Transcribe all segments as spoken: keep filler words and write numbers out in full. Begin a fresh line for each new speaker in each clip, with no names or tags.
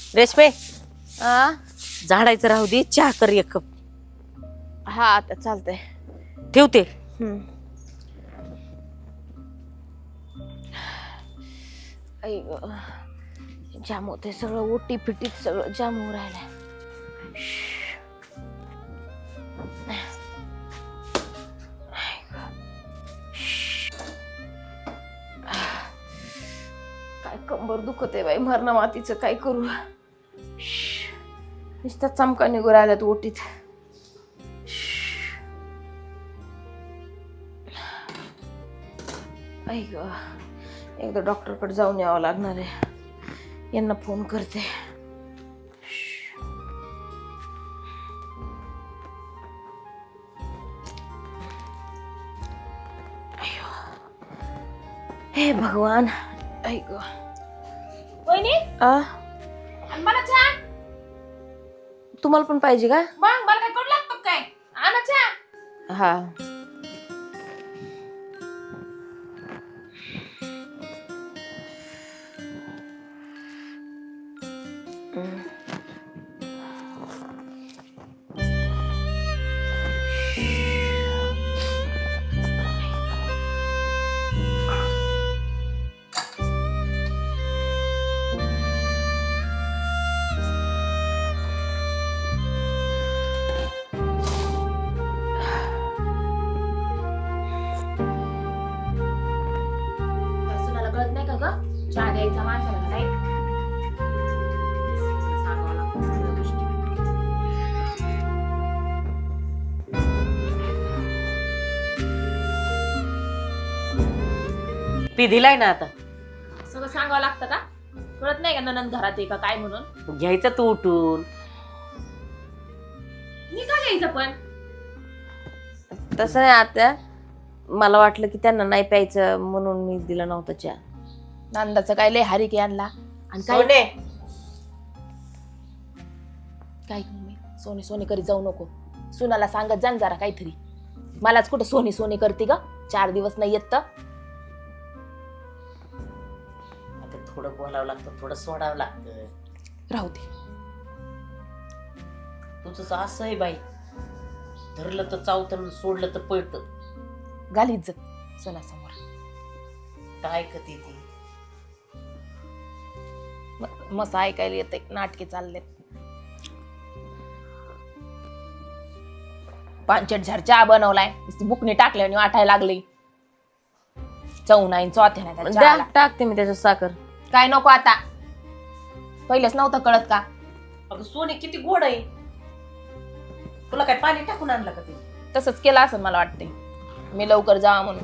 रेशमे
आ
झाडायचं राहू दे, चहा कर एक कप.
हा आता चालतंय.
ठेवते.
हम्म. आई ग, जाम होते सगळं, ओटी फिटीत सगळं जाम होऊ राहिलंय. काय कंबर दुखत आहे बाई, मरणा मातीचं काय करू. नुसता चमका निघू राहिल्यात ओटीत. आई ग, एकदा डॉक्टरकडे जाऊन यावं लागणार आहे. यांना फोन करते. हे भगवान. आई ग
वहिनी
आ
आणि मला चहा.
तुम्हाला पण पाहिजे का?
मग मला काय करू लागतं काय? आणा चहा.
हा.
सुनाला कळत नाही का ग चहा द्यायचा माणसाला का नाही? सांगावं लागतं सगळ्या गोष्टी.
पी दिलाय ना आता.
सगळं सांगावं लागतं का? कळत नाही का ननंद घरात आहे का काय म्हणून?
घ्यायचं तू उठून.
मी का घ्यायचं पण?
तसं नाही आत्या, मला वाटलं की त्यांना नाही प्यायचं म्हणून मी दिला नव्हता चहा.
नंदाचं काय लय हारिके आणला आणि काय
सोने,
काय मी सोने सोने करीत जाऊ नको. सुनाला सांगत जा न जरा काहीतरी. मलाच कुठं सोनी सोनी करते ग, चार दिवस नाही येत तर.
आता थोडं बोलावं लागतं, थोडं सोडावं लागतं.
राहू दे.
तुझं असं आहे बाई, धरलं तर चावतं, सोडलं तर पळतं.
घाल इज्जत सोनासमोर.
काय कधी ती
म- मस्त ऐकायला येते, नाटके चालले. पांचट झाड चहा बनवलाय, नुसती बुकणी टाकल्याने वाटायला लागली. चव नाही, चौथ्या नाही त्या
द्या,
चहाला.
टाकते मी त्याच्यात साखर.
काय नको आता, पहिलेच नव्हतं कळत का?
अगं सोने किती गोड आहे. तुला काय पाणी टाकून आणलं का ते?
तसंच केलं असं मला वाटतंय, मी लवकर जावा म्हणून.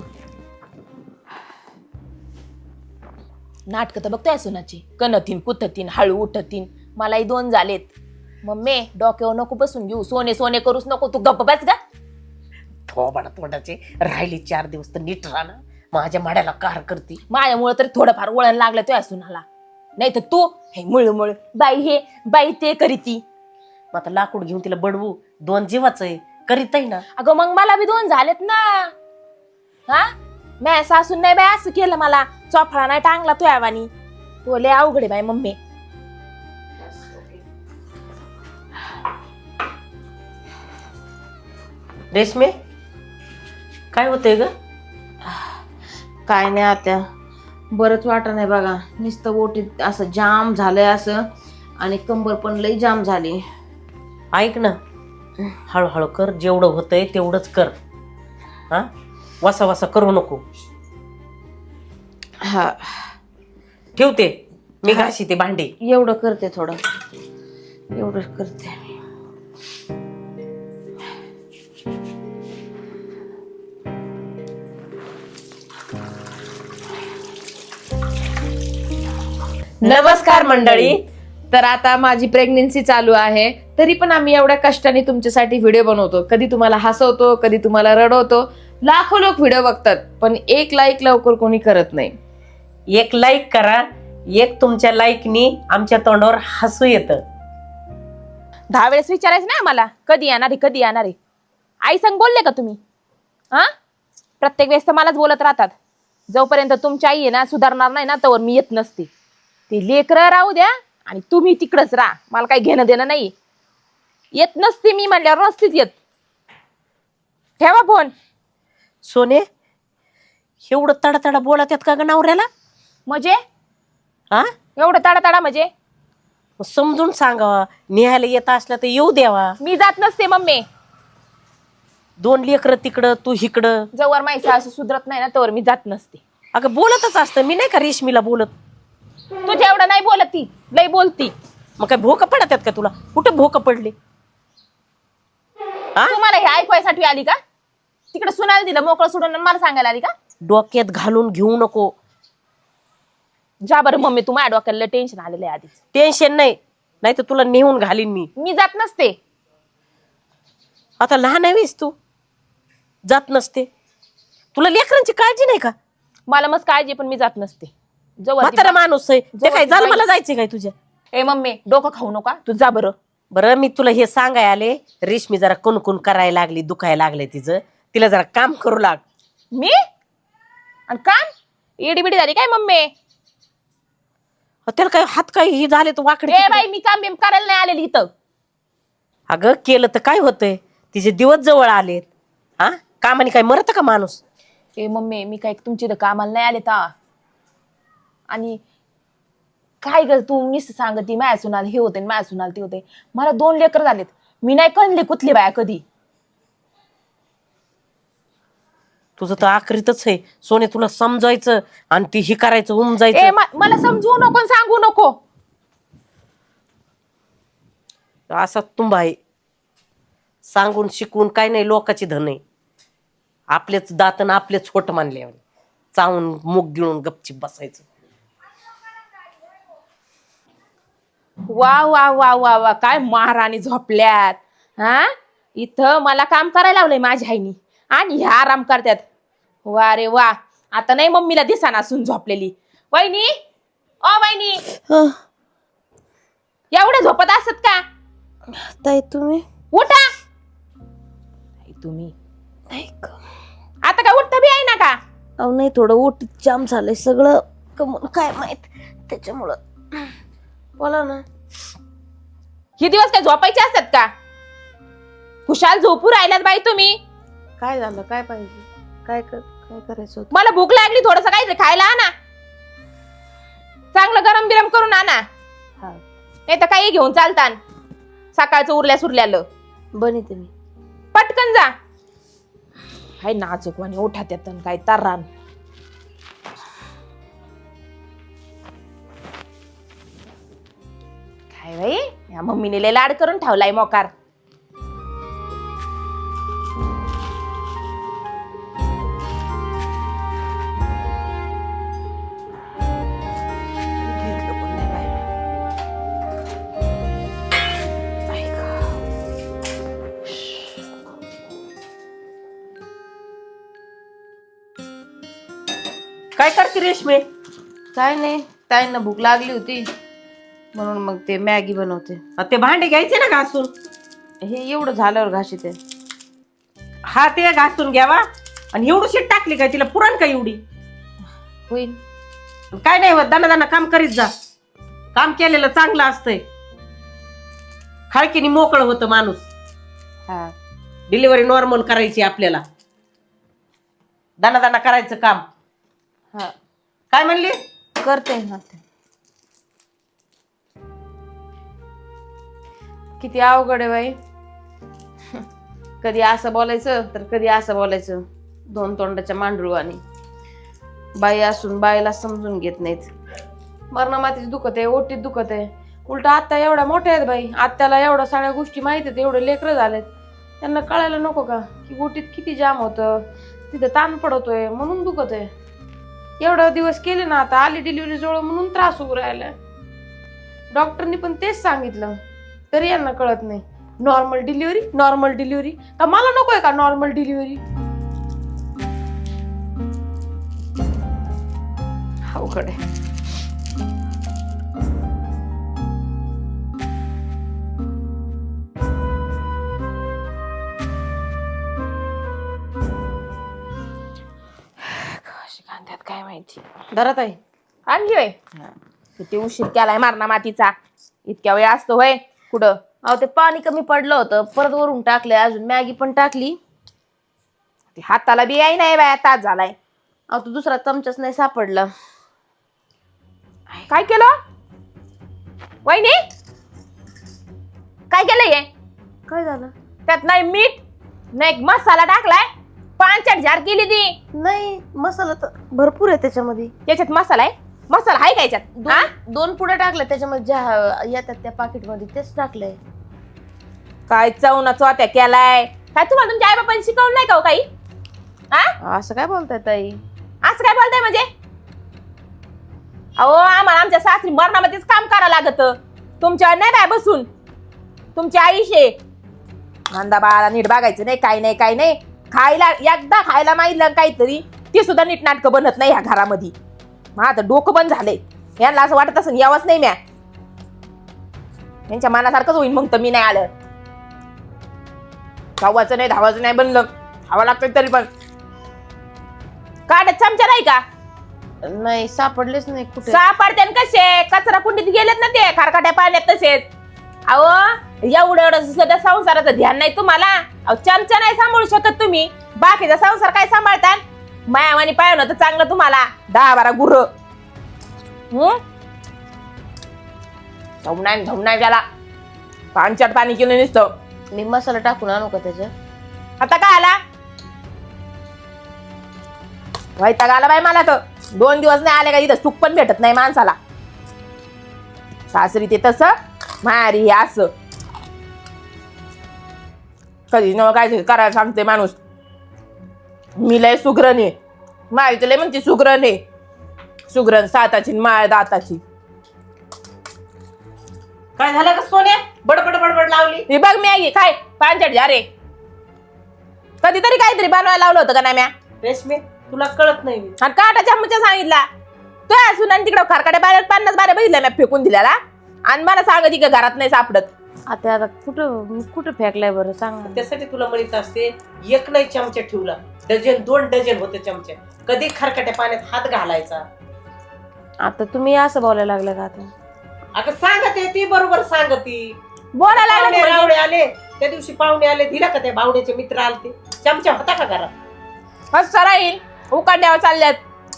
नाटक तर बघतोय सुनाची, कणतीन कुथतीन हळू उठतीन. मलाही दोन झालेत. मम्मी डोक्यावर नको बसून घेऊ, सोने सोने करूच नको. तू गप्प बस गा.
थोबाडा तोंडाचे राहिली चार दिवस तर नीट राहा ना. माझ्या माड्याला कार करती.
माझ्यामुळे तरी थोडंफार वळण लागलं तुझ्या सुनाला. नाही तर तू हे मुळमुळ बाई हे बाई ते करीती.
मग आता लाकूड घेऊन तिला बडवू, दोन जीवाचं आहे, करीत आहे ना.
अगं मग मला बी दोन झालेत ना. हा मॅ सासून नाही बाई असं केलं मला, चोफळा नाही टांगला तो यावानी. तो लय अवघड आहे बाई मम्मी.
रेशमे, काय होतंय ग?
काय नाही आत्या, बरंच वाटत नाही बघा. नुसतं ओटीत असं जाम झालंय असं, आणि कंबर पण लई जाम झाली.
ऐक ना, हळूहळू कर, जेवढं होतंय तेवढंच कर. हा, वसा वसा करू नको.
हा,
ठेवते मी, घाशी ते भांडे.
एवढं करते, थोडं एवढं करते.
नमस्कार मंडळी. तर आता माझी प्रेग्नेन्सी चालू आहे, तरी पण आम्ही एवढ्या कष्टाने तुमच्यासाठी व्हिडिओ बनवतो. कधी तुम्हाला हसवतो, कधी तुम्हाला रडवतो. लाखो लोक व्हिडिओ बघतात, पण एक लाईक लवकर कोणी करत नाही.
एक लाईक करा, एक तुमच्या लाईकनी आमच्या तोंडावर हसू येतं.
दहा वेळेस विचारायचं ना आम्हाला कधी येणार आहे, कधी येणार आहे. आई संग बोलले का तुम्ही? हा, प्रत्येक वेळेस तर मलाच बोलत राहतात. जोपर्यंत तुमची आई आहे ना सुधारणार नाही ना, तोवर मी येत नसते. ते लेकरं राहू द्या आणि तुम्ही तिकडच राहा, मला काही घेणं देणं नाही. येत नसते मी म्हणल्यावर नसतीच येत. ठेवा फोन.
सोने एवढं तडा तडा बोलत आहेत का ग नवऱ्याला?
म्हणजे
हा
एवढं ताडा ताडा म्हणजे
मग समजून सांगावा, निहायला येत असला तर येऊ द्यावा.
मी जात नसते मम्मी.
दोन लेकरं तिकडं तू इकडं.
जवळ माहिती असं सुधरत नाही ना तवर मी जात नसते.
अगं बोलतच असतं, मी नाही का रेशमीला बोलत.
तुझ्या एवढं नाही बोलत ती, लई बोलती.
मग काय भोक पडत आहेत का तुला? कुठं भोक पडले? हा
तुम्हाला हे ऐकवायसाठी आली का? तिकडे सुनायला दिलं मोकळं सोडून आणि मला सांगायला आली का?
डोक्यात घालून घेऊ नको.
जा बरं मम्मी, तू माझ्या डोक्याला टेन्शन आलेलं आहे आधीच.
टेन्शन नाही, नाही तर तुला नेऊन घालीन मी.
मी जात नसते.
आता लहान आहेस तू, जात नसते. तुला लेकरांची काळजी नाही का?
मला मस्त काळजी, पण मी जात नसते. जवळ
म्हातारा माणूस आहे ते, काय
ती
झालं
बाई-
मला जायचंय काय तुझ्या?
ए मम्मी डोकं खाऊ नका, तू जा बरं.
बरं मी तुला हे सांगाय आले, रेशमी जरा कुणकुण करायला लागली, दुखायला लागले तिचं, तिला जरा काम करू लाग.
मी आणि काम एडी बिडी झाली काय मम्मी?
अहो, त्याला काय हात काय हे झाले तर वाकडे
ए
तिकडे.
बाई मी काम बिम करायला नाही आलेली इथं.
अगं केलं तर काय होतंय, तिचे दिवस जवळ आलेत. हा कामाने काय मरत का माणूस?
ए मम्मी मी काय तुमची इथं कामाला नाही आले ता. आणि काय ग तू नुसतं सांगती माया सुनाल हे होते माया सुनाल ते होते. मला दोन लेकर झालेत, मी नाही कणली कुठली बाया कधी.
तुझं तर आखरीतच आहे सोने, तुला समजायचं आणि ती ही करायचं
ए
उमजायचं.
म- मला समजवू नको आणि सांगू नको.
असा तुंबा आहे, सांगून शिकून काय नाही, लोकाची धन आहे. आपलेच दातन आपलेच छोट मानले, चावून मुग गिळून गपचिप बसायचं.
वा वा वा वा वा काय महाराणी झोपल्यात. हा इथं मला काम करायला लावलंय माझ्या आईनी आणि ह्या आराम करतात. वा रे वा. आता नाही मम्मीला दिसाना असून झोपलेली. वहिनी ओ वहिनी एवढे झोपत असत का?
ताई तुम्ही
उठा. आई, तुम्ही
ऐक.
आता काय उठता बी आहे ना का?
अहो नाही, थोडं ओट जाम झालंय सगळं, कमून काय माहित त्याच्यामुळं. बोला ना.
हे दिवस काय झोपायचे असतात का? खुशाल झोपू राहिल्यात बाई तुम्ही.
काय झालं, काय पाहिजे, काय कर काय करायचं होतं?
मला भूक लागली, थोडस काहीतरी खायला आणा. चांगलं गरम बिरम करून आणा,
हा
नाही तर काही घेऊन चालता. सकाळचं उरल्या सुरल्यालं
बनिते मी.
पटकन जा. हाय नाजूक आणि उठात येतं काय तर्रान. काय बाई या मम्मीने लय लाड करून ठेवलाय मोकार.
काय करते रेशमी?
काय नाही, ताईंना भूक लागली होती म्हणून मग ते मॅगी बनवते.
अ, ते भांडे घ्यायचे ना घासून.
हे एवढं झाल्यावर घाशी ते.
हा ते घासून घ्यावा. आणि एवढी शीट टाकली काय, तिला पुरण का एवढी?
होईल.
काय नाही होत, दाना दाना काम करीत जा. काम केलेलं चांगलं असतंय, खाळकीने मोकळं होतं माणूस.
हा
डिलिव्हरी नॉर्मल करायची आपल्याला, दाना दाना करायचं काम.
हा
काय म्हणली?
करते ना ते. किती अवघड आहे बाई. कधी असं बोलायचं तर कधी असं बोलायचं, दोन तोंडाच्या मांडरूवानी. बाई असून बाईला समजून घेत नाहीत. मरणमातीच दुखत आहे, ओटीत दुखत आहे. उलट आत्या एवढ्या मोठ्या आहेत बाई, आत्याला एवढ्या सगळ्या गोष्टी माहित आहेत, एवढे लेकरं झालेत, त्यांना कळायला नको का की ओटीत किती जाम होतं, तिथं ताण पडतोय म्हणून दुखत आहे. एवढा दिवस केले ना, आता आली डिलिव्हरी जवळ म्हणून त्रास होऊ राहिला. डॉक्टरनी पण तेच सांगितलं, तरी यांना कळत नाही. नॉर्मल डिलिव्हरी नॉर्मल डिलिव्हरी का मला नकोय का नॉर्मल डिलिव्हरी? अवघड आहे.
कशी कांद्यात काय माहिती.
धरत आहे.
आणली बाई. किती उशीर केलाय मारणा मातीचा. इतक्या वेळ असतो होय कुठं.
अहो ते पाणी कमी पडलं होतं, परत वरून टाकलंय, अजून मॅगी पण टाकली.
ते हाताला बी याय नाही बाया, तास झालाय.
अहो तो दुसरा चमचाच नाही सापडला.
काय केलं वहिनी? काय केलंय हे?
काय झालं?
त्यात नाही मीठ नाही मसाला टाकलाय, पांचट झार केली ती.
नाही, मसाला तर भरपूर आहे त्याच्यामध्ये.
याच्यात मसाला आहे? मसाला आहे का याच्यात? हा?
दोन दोन पुढे टाकले त्याच्यामध्ये, ज्या येतात त्या पाकिट मध्ये तेच टाकलंय.
काय चवना चोत्या केलाय. काय तुम्हाला तुमच्या आई बापांनी शिकवलं नाही का हो काही? हा?
असं काय बोलताय ताई?
असं काय बोलताय म्हणजे? अहो आम्हाला आमच्या सासरी मरणामध्येच काम करावं लागत. तुमच्या नाही बाय बसून. तुमची आईशे कांदा बाळाला नीट बघायचं नाही, काही नाही काही नाही. खायला एकदा खायला माहितलं काहीतरी ते सुद्धा नीट नाटकं बनत नाही ह्या घरामध्ये. माझं डोकं बंद झालंय. यांना असं वाटत असं यावंच नाही म्या. यांच्या मनासारखंच होईल मग तर मी नाही आलं. धावाचं नाही धावाचं नाही बनलं. खावं लागतं तरी पण. काढत चमचा नाही का?
नाही सापडलेच नाही कुठे.
सापडते कसे? कचरा कुंडीत गेलेत ना ते खारकाट्या पाण्यात तसेच. अहो एवढं एवढं सध्या संसाराचं ध्यान नाही तुम्हाला. अहो चमचा नाही सांभाळू शकत तुम्ही, बाकीचा संसार काय सांभाळतात? मायावानी पाहिलं तर चांगलं तुम्हाला दहा बारा गुर. हम्म धमनाय धमनाय त्याला पाणचट पाणी केलं नुसतं.
मी मसाला टाकून आणू का त्याच्यात?
आता काय आला? वैताग आला बाई मला तर. दोन दिवस नाही आले का इथं सुख पण भेटत नाही माणसाला. सासरी ते तसं, मारी हे असं. कधी न काय करायला सांगते माणूस. मी लय सुग्रण आहे. माहिती लय म्हणते सुग्रण आहे. सुग्रण साताची माळ दाताची.
काय झालं का सोन्या? बडबड बडबड लावली.
हे बघ मॅगी काय पांचट जा रे. कधीतरी काहीतरी बनवायला लावलं होतं का नाही म्या?
रेशमी तुला कळत नाही.
आणि काटा चमचा सांगितला तो असून आणि तिकडं खारकाट्या बाहेर पन्नास बाऱ्या बघितल्या मी फेकून दिल्याला. आणि मला सांगत की घरात नाही सापडत.
आता आता कुठं कुठं फेकलाय बरं सांग.
त्यासाठी तुला म्हणत असते, एक नाही चमचा ठेवला, डझन दोन डझन होते चमचे. कधी खरकट्या पाण्यात हात घालायचा.
आता तुम्ही असं बोलायला लागलं का आता?
अगं सांगते ती बरोबर सांगती.
बोलायला लागलं
पाहुणे
म्हणजे.
रावळे आले त्या दिवशी, पाहुणे आले दिला का त्या बावड्याचे मित्र आलते, चमचा होता का घरात?
मस्त राहील उकाड्यावर चालल्यात.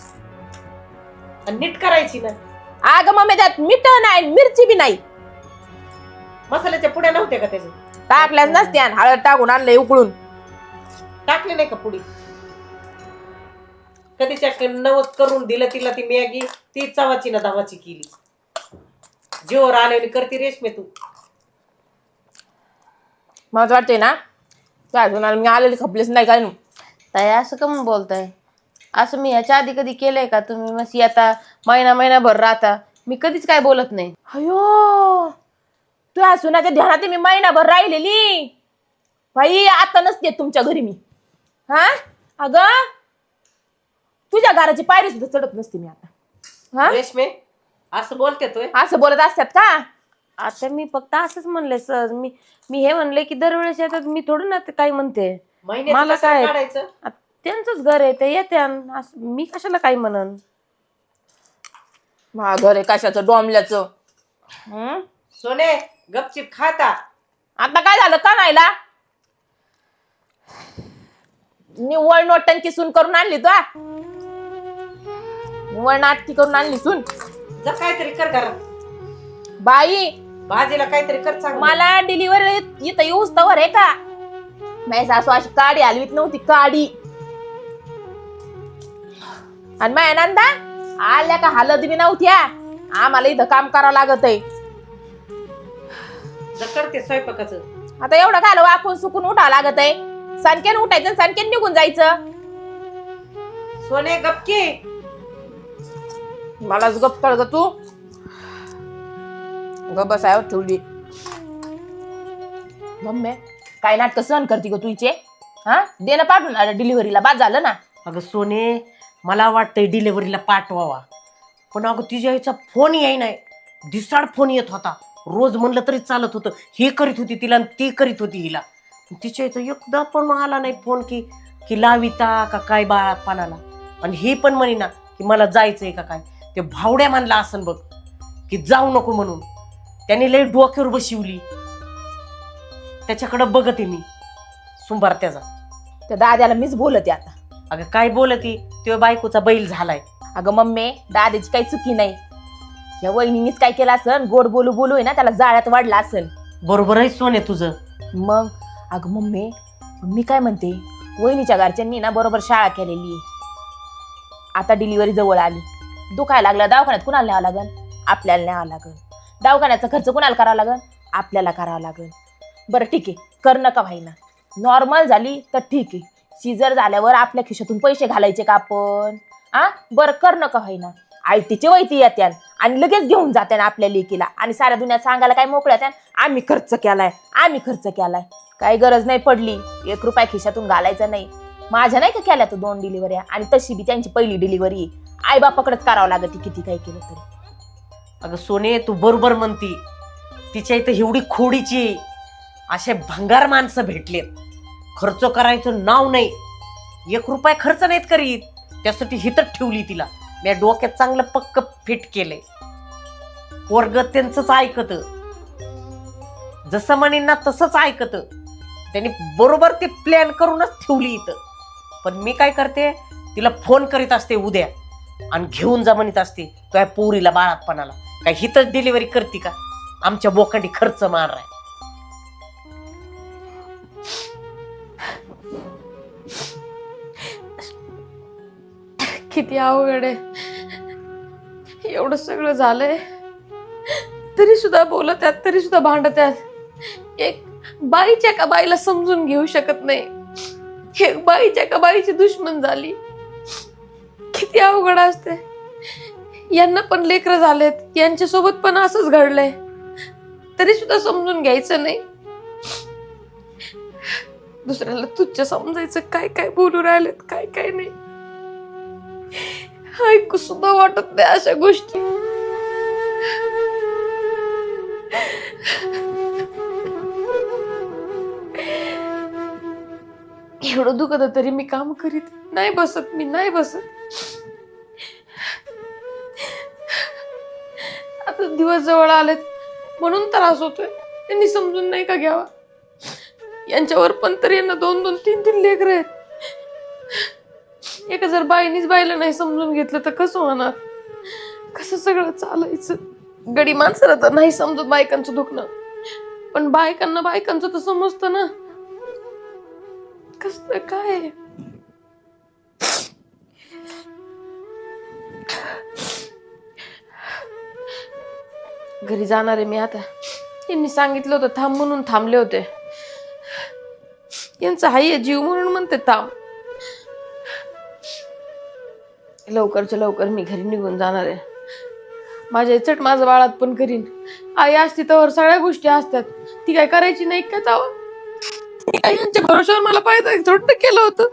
आणि नीट करायची ना.
अगं मम्मी त्यात मीठ नाही मिरची बी नाही.
मसाल्याच्या पुड्या नव्हत्या का त्याचे?
टाकल्याच नसते आणि हळद टाकून आणलंय उकळून.
टाकले नाही का पुडी? कधीच्या नवस करून दिलं तिला ती मॅगी, ती चवाची ना धावाची केली. जीवर आले करते रेशमी तू.
मला वाटतंय ना त्या अजून मी आलेली खपलीच नाही काय.
ताई असं का म्हणून बोलताय? असं मी ह्याच्या आधी कधी केलंय का? तुम्ही मस्त येता महिना महिनाभर राहता, मी कधीच काय बोलत नाही.
अयो तुझ्या सुनाच्या ध्यानात मी महिनाभर राहिलेली बाई. आता नसते तुमच्या घरी मी. हा अगं तुझ्या घराची पायरी सुद्धा चढत नसते मी आता. हा
रेशमी असं बोलते तोय?
असं बोलत असतात का?
आता मी फक्त असंच म्हणले सहज. मी मी हे म्हणले की दरवेळेस येतात, मी थोडं ना ते काय म्हणते. मला काय
काढायचं?
आ, त्यांचंच घर आहे ते येते. मी कशाला काय म्हणन?
मा घर आहे कशाचं डोंबल्याचं. हम्म
सोने गपचिप खाता.
आता काय झालं का नाहीला? निव्वळ नोटंकी सून करून आणली तू. निव्वळ नाटकी करून आणली सून.
जा काहीतरी कर घरात.
बाई
भाजीला काहीतरी कर चांगलं.
मला डिलिव्हरी इथं येऊच तवर आहे का? माझी सासू अशी काडी हलवीत नव्हती काडी. आणि माझ्या नंदा आल्या का हालत बी नव्हत्या. आम्हाला इथं काम करावं लागत आहे.
जा करते स्वयंपाकाचं.
आता एवढं घाल वाकून सुकून उठावं लागत आहे. सनकेन उठायचं सनकेन निघून जायचं.
सोने गपकी.
मलाच गप कर ग तू. गप बसायवर ठेवली. मम्मी काय नाटक सहन करते ग तुझे? हा दे ना पाठवून डिलिव्हरीला. बाद झालं ना.
अगं सोने मला वाटतंय डिलिव्हरीला पाठवावा, पण अगं तिच्या आईचा फोन याय नाही. दिसाड फोन येत होता. रोज म्हणलं तरी चालत होतं. हे करीत होती तिला आणि ती करीत होती हिला. तिच्या आईचा एकदा पण आला नाही फोन की की लाविता का काय बाळात पानाला. आणि हे पण म्हणे ना की मला जायचंय का काय. ते भावड्या म्हणला असन बघ. की जाऊ नको म्हणून. त्याने लई डोक्यावर बशिवली. त्याच्याकडे बघते मी सुंबार त्याचा.
त्या दाद्याला मीच बोलते आता.
अगं काय बोलती, तो बायकोचा बैल झालाय.
अगं मम्मी, दाद्याची काही चुकी नाही. या वहिनीनीच काय केलं असन, गोड बोलू बोलू आहे ना त्याला जाळ्यात वाढला असेल.
बरोबर आहे सोने तुझं.
मग अगं मम्मी, मी काय म्हणते, वहिनीच्या घरच्यांनी ना बरोबर शाळा केलेली आहे. आता डिलिव्हरी जवळ आली, दुखायला लागलं दवाखान्यात कुणाला न्यावं लागन? आपल्याला न्यावं लागन. दवाखान्याचा खर्च कुणाला करावा लागन? आपल्याला करावा लागन. बरं ठीक आहे, कर नका व्हायना. नॉर्मल झाली तर ठीक आहे. सीझर झाल्यावर आपल्या खिशातून पैसे घालायचे का आपण? हा बरं, कर नका व्हायना. आयटीची वैती येत्यान आणि लगेच घेऊन जात्यान आपल्या लेकीला आणि साऱ्या दुनियात सांगायला काय मोकळ्या त्यान, आम्ही खर्च केलाय, आम्ही खर्च केलाय. काही गरज नाही पडली, एक रुपया खिशातून घालायचा नाही. माझ्या नाही का केल्या तो दोन डिलिव्हऱ्या, आणि तशी बी त्यांची पहिली डिलिव्हरी आई बापाकडेच करावं लागत किती काही केलं तरी.
अगं सोने, तू बरोबर म्हणती. तिच्या इथं एवढी खोडीची असे भंगार माणसं भेटलेत, खर्च करायचं नाव नाही, एक रुपया खर्च नाहीत करीत. त्यासाठी हितच ठेवली तिला. मी डोक्यात चांगलं पक्क फिट केलंय. पोरग त्यांचंच ऐकत, जसं म्हणेन ना तसंच ऐकत. त्यांनी बरोबर ते प्लॅन करूनच ठेवली इथं. पण मी काय करते, तिला फोन करीत असते उद्या आणि घेऊन जा म्हणत असते काय पोरीला बाळातपणाला. काय हितच डिलिव्हरी करते का? आमच्या बोकांडी खर्च मारलाय.
किती अवघड आहे. एवढं सगळं झालंय तरी सुद्धा बोलत आहेत, तरी सुद्धा भांडत आहेत. एक बाईच्या का बाईला समजून घेऊ शकत नाही. एक बाईच्या का बाईची दुश्मन झाली. किती अवघड असते. यांना पण लेकरं झालेत, यांच्या सोबत पण असंच घडलंय, तरी सुद्धा समजून घ्यायचं नाही. दुसऱ्याला तुच्छ समजायचं, काय काय बोलू राहिलेत, काय काय नाही. ऐकू सुद्धा वाटत नाही अशा गोष्टी. एवढं दुखत तरी मी काम करीत नाही बसत. मी नाही बसत. आता दिवस जवळ आलेत म्हणून त्रास होतोय. त्यांनी समजून नाही का घ्यावा? यांच्यावर पण तरी यांना दोन दोन तीन तीन लेकरं आहेत. एका जर बाईनीच बाईला नाही समजून घेतलं तर कसं होणार? कसं सगळं चालायचं? गडी माणसाला तर नाही समजत बायकांचं दुखणं, पण बायकांना बायकांचं तर समजतं ना. कसं काय? घरी जाणार आहे मी आता. यांनी सांगितलं होतं थांब म्हणून थांबले होते. यांचा हाय जीव म्हणून म्हणते थांब. लवकरच्या लवकर मी घरी निघून जाणार आहे. माझ्या चट माझं बाळात पण करीन. आई असती तर सगळ्या गोष्टी असतात. ती काय करायची नाही का तेव्हा? यांच्या भरोशावर मला पाहिजे थोडं केलं होतं.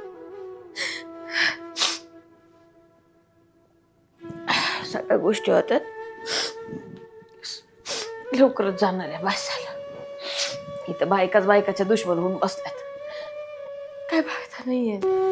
सगळ्या गोष्टी होतात. लवकरच जाणार आहे. बस झालं. इथं बायकाच बायकाच्या दुश्मन होऊन बसल्यात. काय फायदा नाहीये.